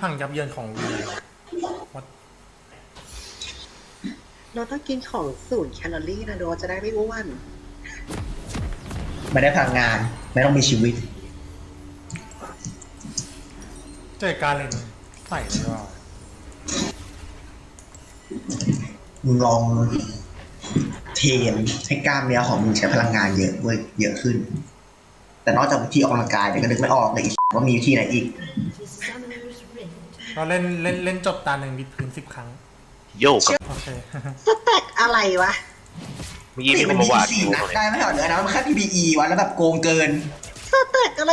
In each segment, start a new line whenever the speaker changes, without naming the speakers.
พังยับเยินของวีวัด
เราต้องกินของ0 แคลอรี่นะโดจะได้ไม่อ้วน
ไม่ได้พลังงานไม่ต้องมีชีวิต
เจอการเล่นใส่เลยว่า
มึงลองเทรนให้กล้ามเนื้อของมึงใช้พลังงานเยอะเว้ยเยอะขึ้น แต่นอกจากวิธีออกกำลังกายเนี่ยก็นึกไม่ออกเลยว่ามีวิธีไหนอีก
ก็เล่นจบตาหนึ่งบิดพื้น10 ครั้ง
โยกกับ
โอเค
สเต็กอะไรวะ
เมื่อกี้มีค
มัน น
มา
ยิง
วาด
4 นัด
อยู่
ได้ไม่ใช่เหรอนะมันแค่ PBE วะแล้วแบบโกงเกิน
สเต็กอะไร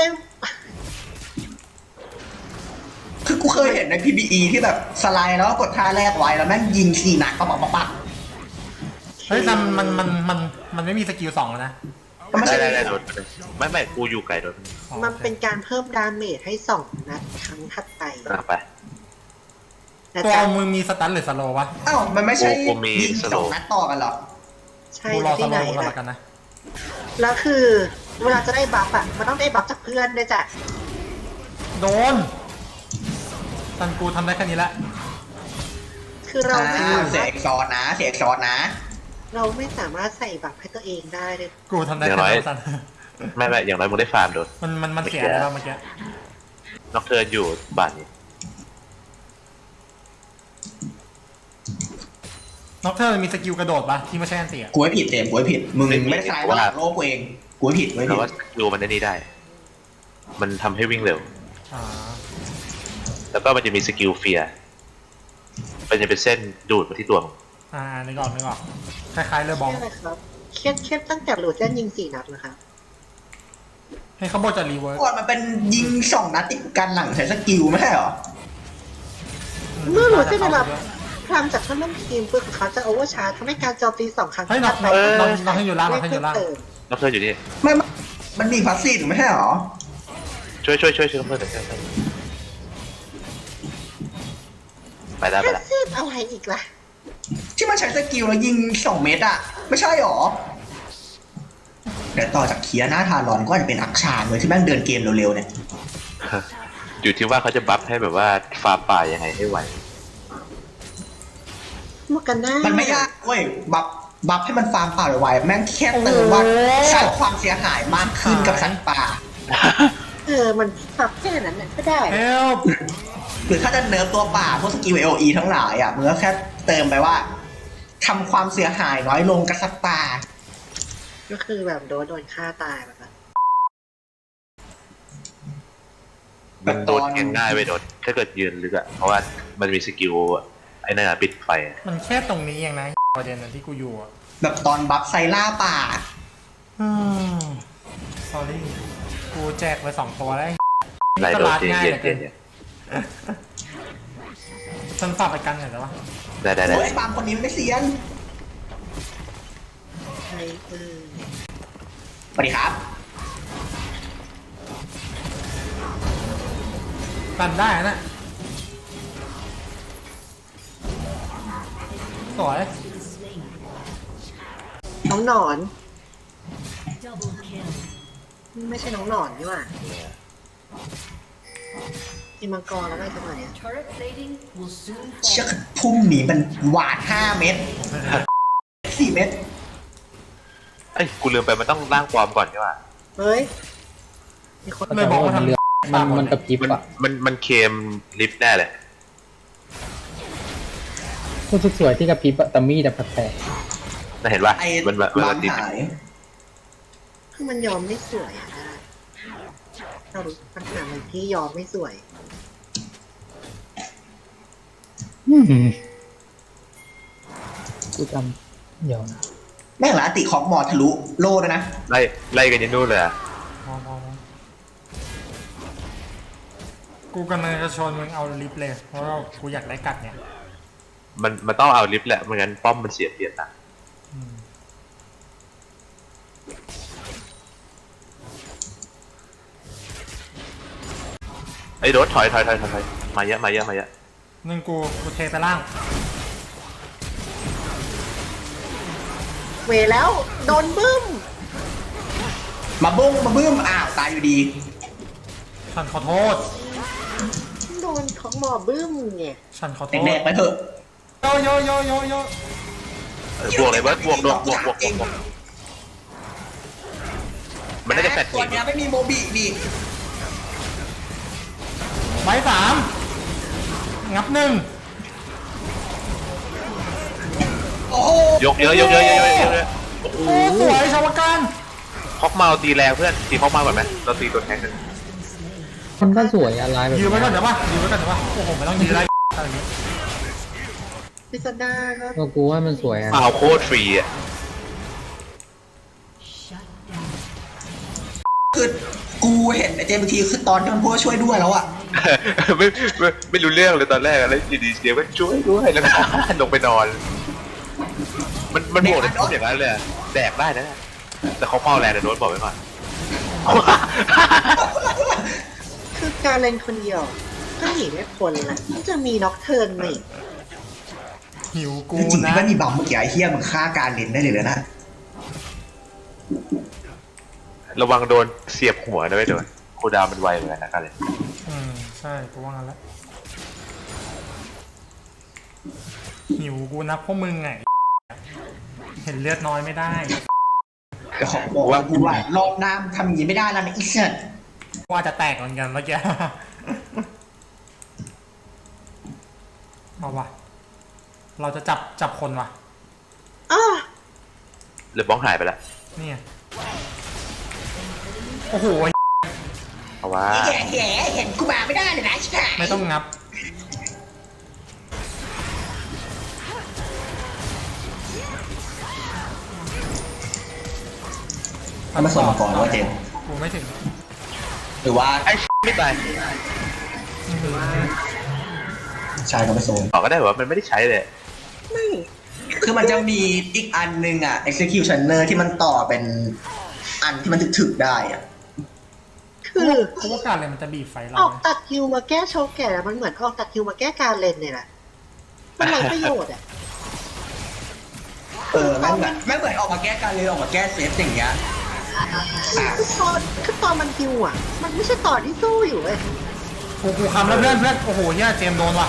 คือกูเคยเห็นใน PBE ที่แบบสไลด์แล้วก็กดท่าแรกไว้แล้วแม่งยิง4 นัดปัก
เฮ้ยแต่มันไม่มีสกิล2แล้วนะ
ก็ไม่ใช่
ได้โดนไม่กูอยู่ไกลโดน
อ๋อ
มันเป็นการเพิ่มดาเมจให้2 นัดครั้งถัดไป
ไป
นะ
ตัว
จ๊ะ
มึงมีสตันหรือสโลว์วะ
อ้าวมันไม่ใช่
กูมี
ยิง
สโลว์
2 นัดต่อกันเหรอ
ใช่
กูรอส
ที่
โล
ไหน
ว์มึงก่อน
นะ
ละกันนะ
แล้วคือเวลาจะได้บัฟอ่ะมันต้องได้บัฟจากเพื่อนด้วยจ้ะ
โดนตันกูทำได้แค่นี้แหละ
คือเราไม่สา
เสีย
มารถ
เอกซอนนะเสียเอกซอนนะ
เราไม่สามารถใส่บัฟให้ตัวเองได้เลย
กูทำได้แค่นั้นตัน
ไม่อย่างไรมึงได้ฟาร์มโดน
มันเสียแล้วเมื่อกี้
นอกเทิร์นอยู่บ้านนี้
น็อกเทอร์มีสกิลกระโดดปะที่ไม่ใช่อันเตีย
กูให้ผิดเต็มกูให้ผิดมึงไม่ได้สไลด์ว่าโลกกูเองกูให้ผิดกูให้
แต่
ผิด
ว่าดูมันได้นี่ได้ มันทำให้วิ่งเร็ว
อ่า
แล้วก็มันจะมีสกิลเฟียร์มันจะเป็นเส้นดูดมาที่ตัวมึง
นึกออกคล้ายๆเรือบอล
ใช่ไหมครับเครียดตั้งแต่หลูเจนยิง4 นัดนะครับ
ให้เขาบอกจะรีเวิร์ส
ก่อนมันเป็นยิง2 นัดติดกันหลังใช้สกิลไม่ใช่เหรอ
เมื่อหลูเจนได้รับพลังจากเพื่อนร่วมทีมปืนของเขาจะโอเวอร์ชาร์จทำให้การโจมตี2 ครั้ง
เฮ้ยน็อกให้อยู่ล่างน็อกให้อยู่ล่าง
นอกเทิร์นอยู่นี่
ไม่มันมีพาสซีฟไม่ใช่เหรอ
ช่วยนอกเทิร์นหน่อยไปได้
แค่ซีดอะไรอีกล่ะ
ที่มันใช้สกิลแล้วยิง2 เมตรอะไม่ใช่เหรอเดี๋ยวต่อจากเคียร์หน้าทารอนก็อาจจะเป็นอักชานเลยที่แม่งเดินเกมเร็วๆเนี่ย
อยู่ที่ว่าเขาจะบัฟให้แบบว่าฟาร์มป่ายังไงให้ไหว
มกันหน้า
มันไม่ยากเว้ยบัฟให้มันฟาร์มป่าไวๆแม่งแค่เติมว่าสร้างความเสียหายมากขึ้นกับสัตว์ป่า
มันปรับแค่นั้นน่ะก็ได้
เฮล
หรือถ้าจะเนิร์ฟตัวป่าพวกสกิล AOE ทั้งหลายอ่ะมึงก็แค่เติมไปว่าทำความเสียหายน้อยลงกับสัตว์ป่า
ก็คือแบบโดนฆ่าตายแบบนั้น
มันโดนง่ายไปโดนถ้าเกิดยืนลึกอะเพราะว่ามันมีสกิลไอ้นั่นอะปิดไฟอะ
มันแค่ตรงนี้เองนะประเด็นนั้นที่กูอยู่อ่ะ
แบบตอนบัฟไซล่าป่า
สอรี่กูแจกไป2 ตัวแล้ว
ไรโดน
ตลาดง่าย
เย็
เหลือเกิน
น
ฉันฝากไปกันหน่อยได้ปะ
ได้
โอ้ยปามคนนี้ไม่เซียน
ใช่
สวัสดีครับ
กันได้นะสวย
น้องหนอน ไม่ใช่น้องหนอนนี่หว่าอีมังกรแล้วได้จังไหนอ่ะ
เชือกพุ่มหนีมันหวาด5 เม็ด4 เม็ด
ไอ้ยกูลืมไปมันต้องร่างปลอมก่อนใช่ป่ะ
เฮ้ยมีคน
เลยบอกว่าทำ
มันกระพริบอ่ะ
มันเคมลิฟต์แน่เลย
คุณสวยๆที่กระพริบอะแต่มีดอะแปลก
น่าเห็นป่ะ
ไอ้
มัน
ล้าง
ติด
หาย
คือมันยอมไม่สวยอ่ะเรารู้ปัญหามันที่ยอมไม่สวย
ๆกูจำเดี๋ยวนะ
แม่งหลาติของหมอทะลุโลดนะ
ไล่กันยันนู่นเลยอะ
กูกำลังจะชวนมึงเอาลิฟต์เลย เพราะว่ากูอยากได้กัดเนี่ย
มันต้องเอาลิฟต์แหละไม่งั้นป้อมมันเสียเปรียบนะไอ้รถถอยมาเยอะ
นึงกูเทไปล่าง
เวแล้วโดนบึ้ม
มาบุ้งมาบึ้มอ้าวตายอยู่ดี
ฉันขอโทษ
โดนเขาหมอบึ้มไง
ฉันขอโทษ
แดกๆไปเถอะ
โยโยโยโยโย
บวกเลยเบิร์ดบวกมันน่าจะแฟด
ตัวเนี้ยไม่มีโมบิดิ
ใบสามงับหนึ่ง
โอ้โห
ยกเยอะโอ้
โอ้สวยชาวการ
คอกเมาตีแรงเพื่อนตีคอกเมาก่อนไหมเราตีตัวแทงกัน
มันก็สวยอะไรแบบ
ยืนไว้ก่อน
เนี้
เดี๋ยวป่ะยืนไว้ก่อนเดี๋ยวป่ะโอ้โหไม่ต้องยืนได้อะไรนี้
พิซซ่าก็
ก็กูว่ามันสวยอะ
เมาโคตรฟรีอ่ะ
คือกูเห็นไอ้เจมบางทีคือตอนที่มันพูดว่าช่วยด้วยแล้วอะ
ไม่รู้เรื่องเลยตอนแรกแล้วอยู่ดีเดียวก็ช่วยด้วยแล้วก็ลงไปนอน มันบวกในทุกอย่างนั้นเลยแดกได้นะแต่เขาเมาแรงนะโดนบอกไว้ก่อน
คือการเล่นคนเดียวก็หนีไม่พ้นแหละมันจะมีน็อกเทิร์นมาอีก
หิวกู
จริงๆ
นะ
ก็มีบัมเมื่อกี้ไอ้เฮียมึงฆ่าการเล่นได้เลยนะ
ระวังโดนเสียบหัวนะไม่โดนโคดาวมันไวเหมือนกันนะกันเลย
ใช่กูว่างั้นแล้วหิวกูนะพวกมึงไงเห็นเลือดน้อยไม่ได้
แต่ขอบอกว่ากูว่ารอบหน้าทำอย่างนี้ไม่ได้แล้วนะอีสัตว์
ว่าจะแตกเหมือนกันเมื่อกี้เอาว่ะเราจะจับคนว่ะ
อ้า
หรือบ้องหายไปแล้ว
นี่ไงโอ้โห
เพราะว่า
แย่เห็นกูมาไม่ได้เลยนะใช่
ไม่ต้องงับ
ทำมาส่งมาก่อนว่าเจมส์
กูไม่ถึง
หรือว่า
ไอ้ไม่ตาย
ชายก็ไม่ส่ง
บอกก็ได้ว่ามันไม่ได้ใช้เลย
ไม่
คือมันจะมีอีกอันนึงอ่ะ executioner ที่มันต่อเป็นอันที่มันถึกๆได้อ่ะ
คือ
เพราะว่าการอะไรมันจะบีบไฟเรา
ออกตัดคิวมาแก้โชว์แก่มันเหมือนออกตัดคิวมาแก้การเล่นเนี่ยแหละมันไรประโยชน์อ่ะ
แม่งเหมือนออกมาแก้การเลยออกมาแก้เซฟอย่างเงี้ย
คือตอนมันคิวอ่ะ มันไม่ใช่ตอนที่สู้อยู่เว้ย
กูคำแล้วเพื่อนโอ้โหเนี่ยเจมส์โดนว่ะ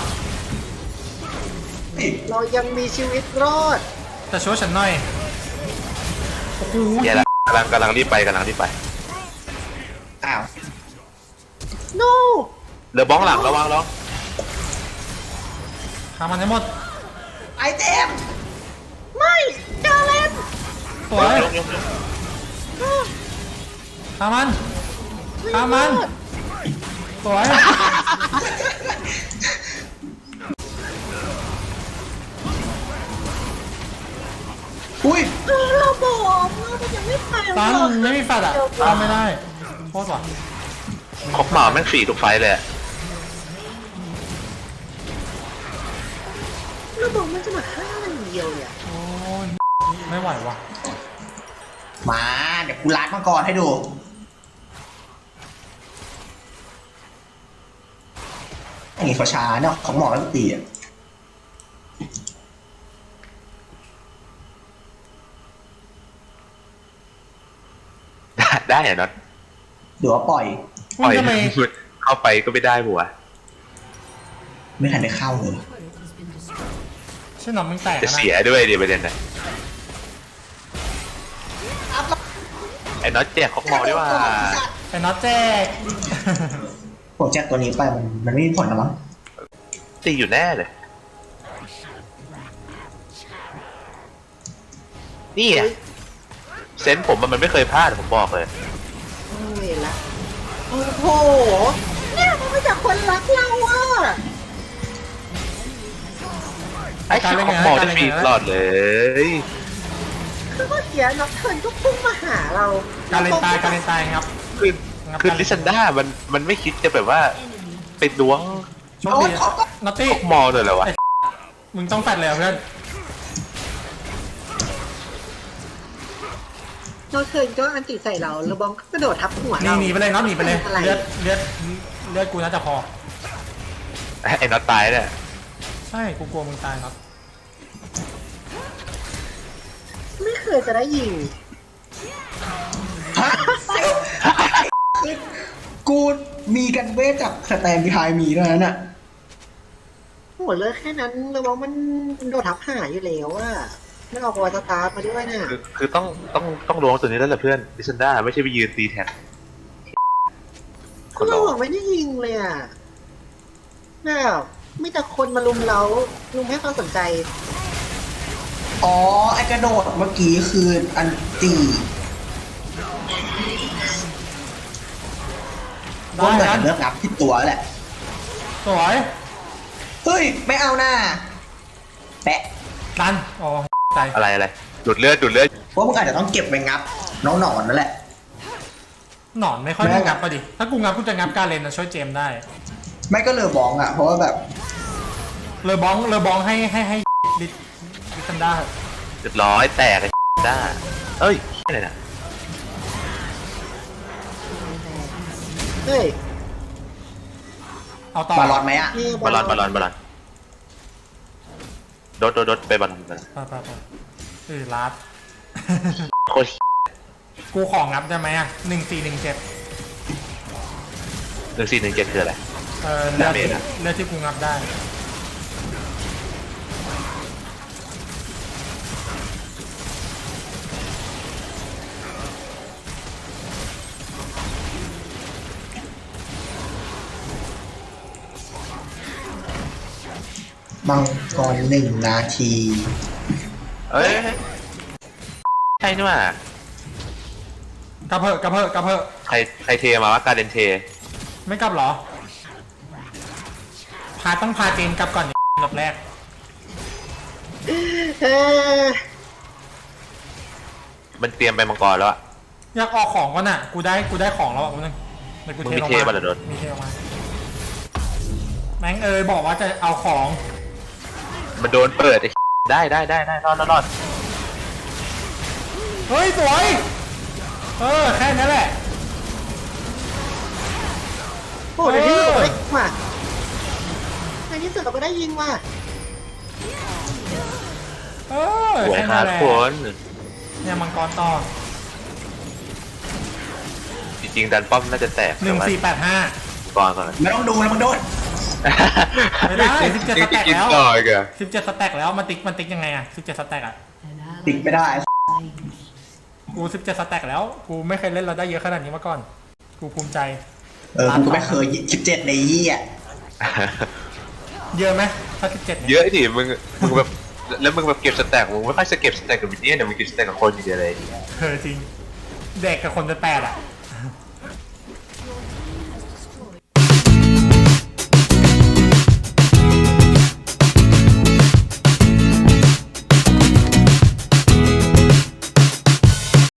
เรายังมีชีวิตรอด
จะช่วยฉันหน่อยโอ้โห
แย่ละกำลังรีบไป
อ้าว
no
เหลือบ้องหลังระวังน้อง
ทำมันให้หมด
ไอเจมส์
ไม่การเล่น
สวย
ยก
ทำมันทำมันสวย
อุ้ย
เราบอกมันยังไม่ไป
ตันไม่มีแฟดอ่ะตามไม่ได้โคตรว่ะ
คอกเมาแม่งฟรีทุกไฟเลย
เราบอกมันจะมาฆ่ามันอย่างเดียวเนี่ย
โอ้ยไม่ไหวว่ะ
มาเดี๋ยวกูล้างมังกรให้ดูอย่างนี้เขาช้าเนาะเขาหมอกแล้วตีอ่ะ
ได้เหรอน็อต
หรือว่าปล่อย
ปล่อย
ทำไม
เข้าไปก็ไม่ได้หัว
ไม่ทันได้เข้าเลย
ใช่หนอมมึงแตก
จะ
นะ
เสียด้วยเดี๋ยวประเด็นนะไอ้น็อตแจกคอกเมาดีว่า
ไอ้น็อตแจก
ผมแจ็คตัวนี้ไปมันไม่มีผลนะมั้ง
ตีอยู่แน่เลย นี่อ่ะเซนส์ผมมันไม่เคยพลาดผมบอกเลย
โอ้ยละโอ้โหเนี่ยมันมาจากคนรักเราอ่ะ
ไอ้คอกเมาได้ฟรีตลอดเลย
คือเมื่อกี้น็อกเทิร์นก็พุ่งมาหาเรา
การเล่นตายครับ
คือลิซันด้ามันไม่คิดจะแบบว่าไปล้วง
โชคดีน็อตตี้
คอกเมาเลยเหรอวะ
มึงต้องแฟดเลยเพื่อน
น็อกเทิร์นก็อันติใส่เราแล้วบอมก็กระโดดทับหัว
นี่
เรา
หนีไปเลยน็อตหนีไปเลย
อะไร
เลือดกูน่าจะพอ
ไอ้น็อตตายเนี่ย
ใช่กูกลัวมึงตายครับ
ไม่เคยจะได้ยิง
ฮะ กู มีกันเวทจากสแตนด์บีไฮมีด้วยนะน่ะ
ไม่เคยจะได้ยิง
กู มีกันเวทจากสแตนด์บีไฮมีด้วยนะน่ะ
ไม่เคยจะได้ยิง
กู มีกันเวทจากสแตนด์บีไฮมีด้วยนะน่ะ
ไม่เคยจะได้ยิง
กู
โหเลือกแค่นั้นระวังมันโดดทับหายอยู่แล้วอะไม่เอาบอลสตาร์มาด้วยน่ะ
คือต้องลงตัวนี้แล้วแหละเพื่อนดิซันด้าไม่ใช่ไปยืนตีแท็กค
ก็
น
เรา
เรา
อะไม่ได้ยิงเลยอะแบบไม่แต่คนมาลุมเราลุมให้ความสนใจ
อ๋อไอกระโดดเมื่อกี้คืออันตีว่าเหมือนเลือกงับที่ตัวแหละ
สวย
เฮ้ย ไม่เอาหน้าแปะ
ดันอ๋อใจ
อะไรดูดเลือด
เพราะมึงอาจจะต้องเก็บไว้งับน้องหนอนนั่นแหละ
หนอนไม่ค่อยได้งับปะดิถ้ากูงับกูจะงับการเลนนะช่วยเจมส์ได้
ไม่ก็เลอบองอ่ะ เพราะว่าแบบ
เลอบองให้ลิซันด้า
เรียบร้อยแตกไอ้ด้าเอ้ยอะไรนะ
เฮ้ย
เอาต่อบ
าลอนไหมอ่ะ
นี่
บอลลอนโดดไปบอลลอน
ไปลาด
โคตร
กูของงับได้ไหมอ่ะ1417
1417คืออะไร
เลือด
ดาเมจอะ
เลือดที่กูงับได้
มังกร1 นาที
เอ้ยใช่นี่หว่าก
ระเพอะ
ใครเทมาวะการเดนเท
ไม่กลับเหรอ ต้องพาเจนกลับก่อนอันดับแรก
เออ
มันเตรียมไปมังกรแล้วอะ
อยากออกของก่อนน่ะ กูได้ของแล้วอ่ะกูนึงเดี๋ยวกู
มึง
เท
มี
ลง
เท
มา
ป่ะเดี๋ยวโดน
มีเทลงมาแม่งบอกว่าจะเอาของ
มันโดนเปิดไอ้ได้รอด
เฮ้ยสวยแค่นั้นแหละ
โหในที่สุดเราก็ได้ยิงว่ะในที่สุดเราก็ได้ยิงว่ะ
สวย
แค่
ครั
นั้
บ
นแหละ
คน
เนี่ยมังกรต่อ
จริงๆดันป้อมน่าจะแตก
1485
ก่อน
ไม่ต้องดูแล้วมึงโดน
ไม่ได้17สแต็กแล้ว
ต่ออีกเหรอ
17สแต็กแล้วมันติ๊กยังไงอ่ะ17สแต็กอ่ะ
ติดไม่ได้
กู17สแต็กแล้วกูไม่เคยเล่นเราได้เยอะขนาดนี้มาก่อนกูภูมิใจ
กูก็ไม่เคย17ในยี่อ่ะ
เยอะไหมถ้า17เนี่ย
เยอะดิมึงแบบแล้วมึงแบบเก็บสแต็กมึงไม่ค่อยจะเก็บสแต็กกับวินเนี่ยเดี๋ยวมึงเก็บสแต็กกับคนอย่างเดียวเลย
จริงเด็กกับคนจะแปดอ่ะ